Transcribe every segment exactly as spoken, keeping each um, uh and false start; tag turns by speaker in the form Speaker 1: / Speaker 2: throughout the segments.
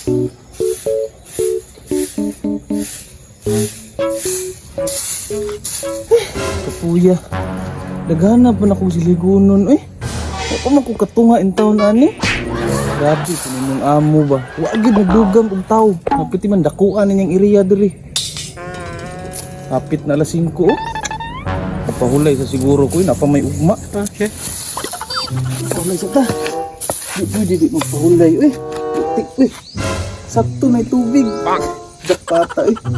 Speaker 1: Kapuya. Dagana pa na kong siligunon. Eh, ako man kong katunga in taon ani. Grabe, kanimong amo ba? Wagid nagdugang og tao. Napiti man dakuan ninyang iriya diri. Kapit na alas singko. Oh. Napahulay sa siguro ko, napa may ugma.
Speaker 2: Okay.
Speaker 1: Pahulay sa ta. Di pwede di magpahulay. Uy, putik, uy. Sakto na tubig. Dakpata, eh.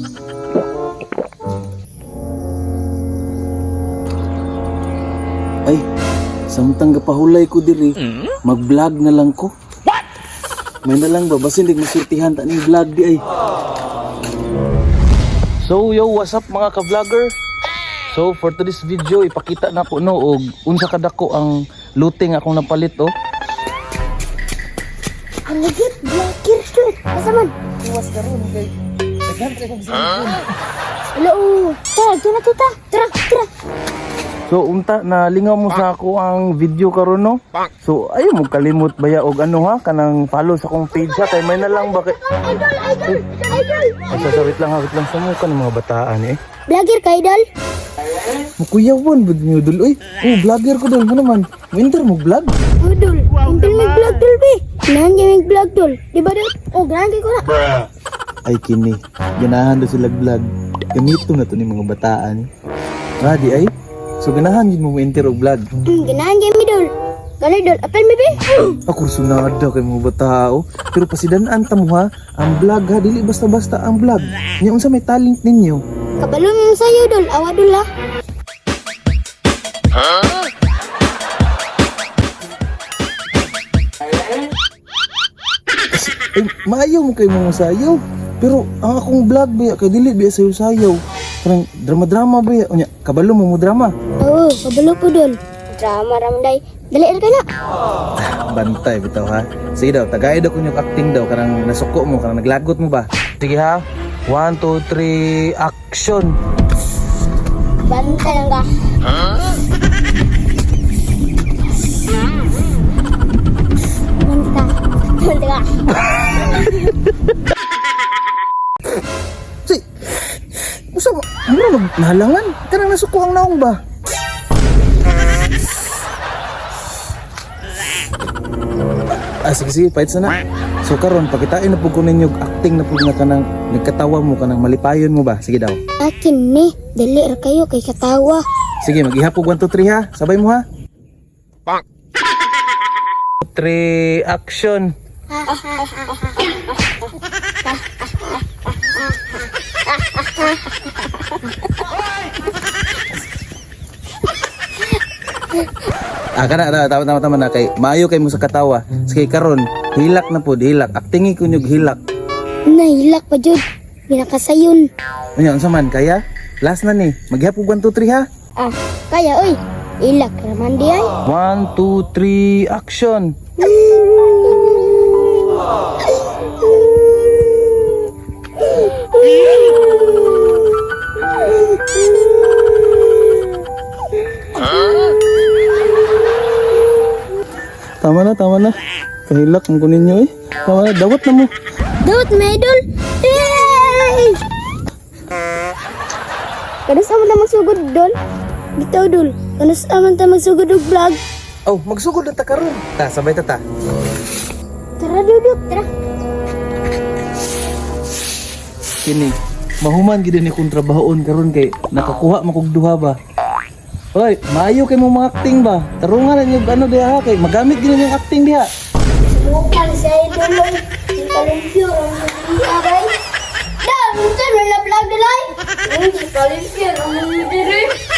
Speaker 1: Ay, samtang gapahulay ko diri, mag-vlog na lang ko. What? May na lang ba? Basta hindi masurtihan ta ning vlog di ay. So yo, what's up mga ka-vlogger? So for today's video, ipakita na ko no og unsa kadako ang looting akong napalit oh.
Speaker 3: Ang ligit, blakir to. Asa man?
Speaker 1: Iwas karon kay daghan kay kong cellphone.
Speaker 3: Hello. Tara, tara tita. Tara, tara.
Speaker 1: So unta na lingaw mo sa ako ang video karon no. So ayo mo kalimot baya og ano ha kanang follow sa akong page ha kay may na lang ba kay
Speaker 3: Idol, idol, idol.
Speaker 1: Ay, sasawit lang ha, wait lang sa mukha ng mga bataan eh.
Speaker 3: Blakir ka, idol.
Speaker 1: Mukuyawan bud niyo dul oy. Oh, vlogger ko dul mo naman. Winter mo vlog.
Speaker 3: Oh, dol. Impil may vlog, dol, be. Ganahan kayo may vlog, dol. Di ba, dol? Oh, ganahan kayo ko na.
Speaker 1: Ay kini, ganahan do sila vlog. Gamito na to ni mga bataan. Ready ay? So ganahan yun mo winter og vlog.
Speaker 3: Hmm, ganahan kayo mi, dol. Gano'y, dol. Apel mi, be.
Speaker 1: Ako sunada kay mga batao. Pero pasidanaan ta mo ha, ang vlog ha dili basta-basta ang vlog. Nya unsa may talent ninyo?
Speaker 3: Kabalong yung sayo, dol. Awa, dol, ha.
Speaker 1: Ay, maayaw mo kay mga sayaw. Pero ang akong vlog ba kay dili ba sayo sayaw. Parang drama-drama ba ya? Unya, kabalo mo mo drama.
Speaker 3: Oo, kabalo po, dol. Drama, ramday. Dali, ka na.
Speaker 1: Bantay bitaw ha. Sige daw, tagay daw kunyong acting daw karang nasuko mo, karang naglagot mo ba? Sige ha. one, two, three, action.
Speaker 3: Bantay lang ka. Bantay. Bantay ka.
Speaker 1: Si, usa mo, ano magnahalangan? Karang nasuko ang naong ba? Ah, sige sige, fights na na. So karon pakitain na pud ko ninyo acting na pud nga kanang nagkatawa mo kanang malipayon mo ba? Sige daw.
Speaker 3: Akin ni. Dali ra kayo kay katawa.
Speaker 1: Sige, mag-ihapog one, two, three ha. Sabay mo ha. three, action. Ah, kana na tama tama tama na kay maayo kay mo sa katawa. Sige karon, hilak na pud, hilak. Actingi ko nyug hilak.
Speaker 3: Nahilak pa jud. Binakasayon.
Speaker 1: Unya unsa man kaya? Last na ni. Maghihapog one, two, three ha.
Speaker 3: Ah, kaya oy. Ilak raman di ay.
Speaker 1: one, two, three, action. Tama na, tama na. Kahilak ang kunin nyo eh. Tama na, dawat na mo.
Speaker 3: Dawat na idol. Yay! Kanas aman ta magsugod dol. Bitaw dol. Kanas aman ta magsugod og vlog.
Speaker 1: Oh, magsugod na ta karon. Ta, sabay ta ta.
Speaker 3: Tara duduk, tara.
Speaker 1: Kini, mahuman gid ni kong trabahoon karon kay nakakuha makog duha ba. Hoy, maayo kay mo mga acting ba? Tarungan na yung ano diha kay magamit gid yung acting diha.
Speaker 3: Subukan sa idol. Yung kalimpyo ang abay. Da, minsan wala vlog dalay. Yung kalimpyo ang diri.